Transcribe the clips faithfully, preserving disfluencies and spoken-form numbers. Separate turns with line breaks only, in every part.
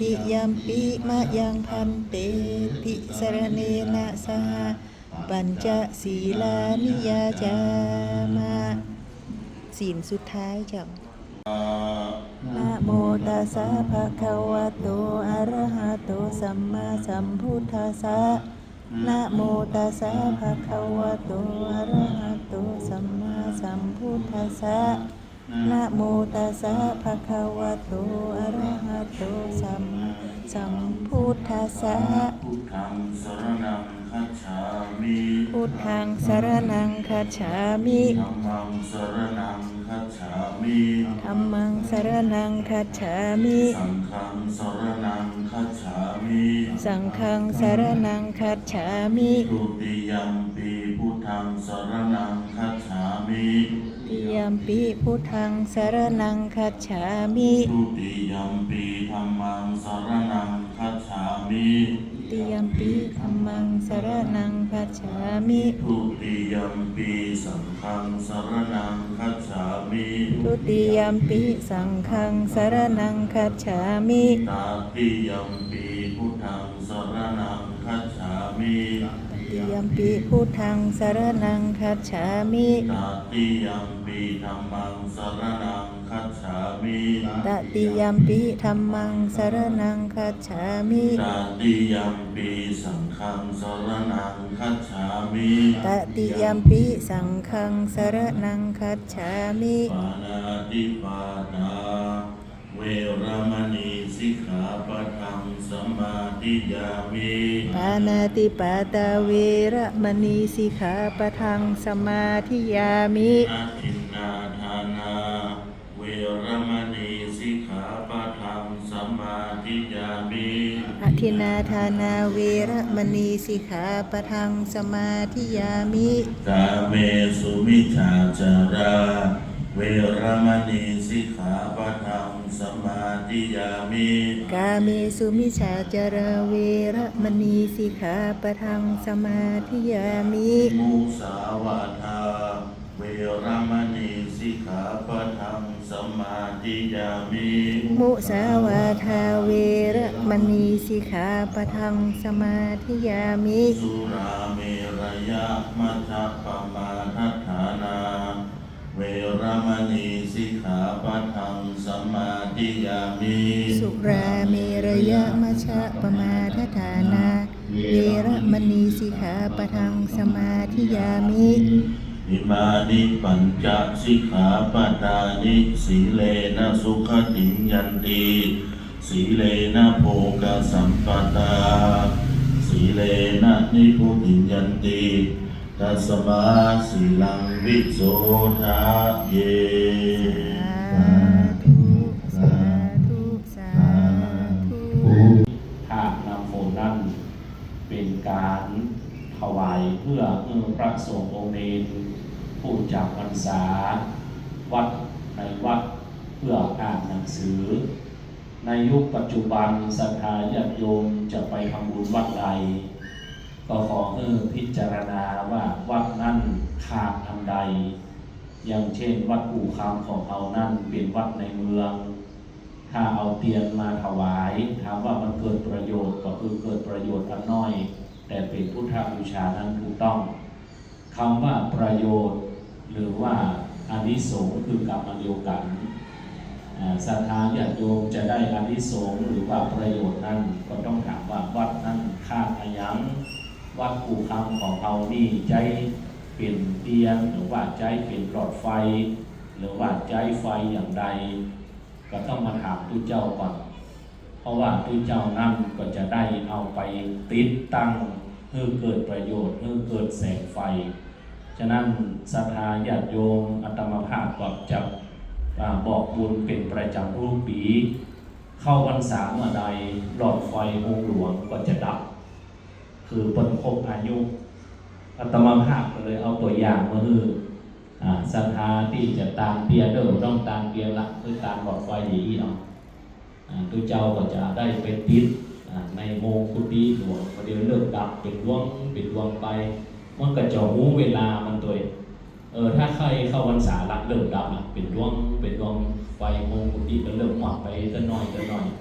ติยัมปิมะยังพันเตติสรเนนะสหปัญจศีลานิยาจามะศีลสุดท้ายจ้ะนะโมตัสสะภะคะวะโตอะระหะโตสัมมาสัมพุทธัสสะนะโมตัสสะภะคะวะโตอะระหะโตสัมมาสัมพุทธัสสะนะโมตัสสะภะคะวะโตอะระหะโตสัมมาสัมพุทธัสสะ
พุทธังสรณังคัจฉามิ
พุทธังสรณังคัจฉามิ
ธัมมังสรณังคัจฉามิ
ธัมมังสรณังคัจฉามิ
สังฆังสรณังคัจฉามิ
สังฆังสรณังคัจฉามิ
ทุติยัมปีพุทธังสรณังคัจฉามิ
ติยัมปิพุทธังสรณังคัจฉามิ
ทุติยัมปีธัมมังสรณังคัจฉามิ
ติยัมปิธัมมังสรณังคัจฉามิ
ทุติยัมปีสังฆังสรณังคัจฉามิ
ทุติยัมปิสังฆังสรณังคัจฉามิ
ตติยัมปีพุทธังสรณังคัจฉามิ
ติยัมปิพุทธังสรณังคัจฉามิ
ตติยัมปีธัมมังสรณังคัจฉามิ
ตติยัมปิธัมมังสรณังคัจฉามิ
ตติยัมปีสังฆังสรณังคัจฉามิ
ตติยัมปิสังฆังสรณังคัจฉามิ
ปานาติปาตาเวรมณีสิกขาปะทังสมาธิยามิ
ปานาติปาตาเวระมณีสิกขาปะทังสมาธิยามิ
อาทินนาทานาเวรมณีสิกขาปะทังสมาธิยามิ
อทินนาทานาเวระมณีสิกขาปะทังสมาธิยามิ
กาเมสุมิจฉาจาราเวรมณีสิกขาปะทังสมาธิยามิ
กาเมสุมิจฉาจารเวระมณีสิกขาปะทังสมาธิยามิ
มุสาวาทาเวรมณีสิกขาปะทังสมาธิยามิ
มุสาวาทาเวระมณีสิกขาปะทังสมาธิยามิ
สุราเมรยะมัชฌัปปมาทัฏฐานาเวรมณีสิกขาปะทังสมาธิยามิ
สุราเมรยะมัชฌะปมาทัฏฐานาเวระมณีสิกขาปะทังสมาธิยามิ
อิมานิปัญจสิกขาปทานิสีเลนะสุขติยันติสีเลนะโภคสัมปตาสีเลนะนิพุติยันติตัสมาสีลังวิโสทาเย
สาธุสาธุสาธุ
ถ้านำโมนั้นเป็นการถวายเพื่อพระสงฆ์องค์เนรผู้จำพรรษาวัดในวัดเพื่ออ่านหนังสือในยุคปัจจุบันศรัทธาญาติโยมจะไปทำบุญวัดใดก็ขอให้พิจารณาว่าวัดนั้นขาดอันใดอย่างเช่นวัดปู่คำของเรานั้นเป็นวัดในเมืองถ้าเอาเตียนมาถวายถามว่ามันเกิดประโยชน์ก็คือเกิดประโยชน์อันน้อยแต่เป็นพุทธบูชานั้นถูกต้องคำว่าประโยชน์หรือว่าอานิสงส์คือกรรมเดียวกันศรัทธาญาติโยมจะได้อานิสงส์หรือว่าประโยชน์นั้นก็ต้องถามว่าวัดนั้นขาดอะไรยังวัดปู่คำของเรานี่ใจเป็นเตียงหรือว่าใจเป็นหลอดไฟหรือว่าใจไฟอย่างใดก็ต้องมาถามตุเจ้าก่อนเพราะว่าตุเจ้านั่นก็จะได้เอาไปติดตั้งเพื่อเกิดประโยชน์เพื่อเกิดแสงไฟฉะนั้นศรัทธาญาติโยมอาตมาภาพก็จะบอกบุญเป็นประจำทุกปีเข้าพรรษาเมื่อใดหลอดไฟองค์หลวงก็จะดับคือปนครบอายุอาตมาภาพก็เลยเอาตัวอย่างมาคือศรัทธาที่จะตามเตียนเดิมต้องตามเตียนละคือตามหลอดไฟดีเนาะตัวเจ้าก็จะได้เป็นติดในโมกุฏิหลวงประเดี๋ยวเลิกดับเป็นดวงเป็นดวงไปมันก็จะรู้เวลามันตัวเออถ้าใครเข้าพรรษาละเลิกดับละเป็นดวงเป็นดวงไฟโมกุฏิก็เลิกหมดไปก็น้อยก็น้อย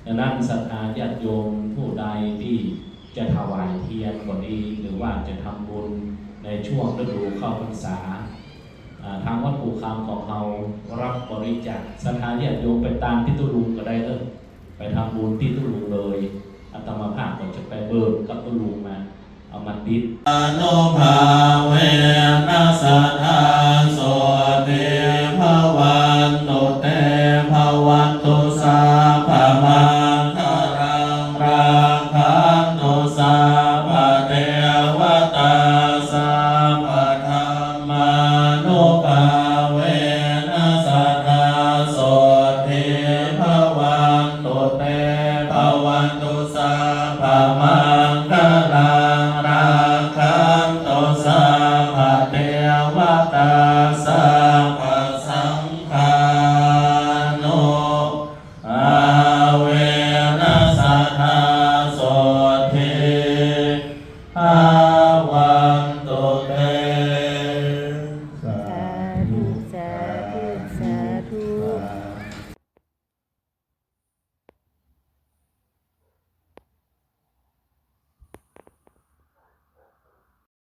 ดังนั้นศรัทธาญาติโยมผู้ใดที่จะถวายเทียนก็ดีหรือว่าจะทำบุญในช่วงฤดูเข้าพรรษาทางวัดภูคำของเรารับบริจาคศรัทธาญาติโยมไปตามที่ตุลุงก็ได้เลยไปทำบุญที่ตุลุงเลยอาตมาภาพก็จะไปเบิกกับตุลุงมาเอามาติด
อนุภาเวนัสสัทธาส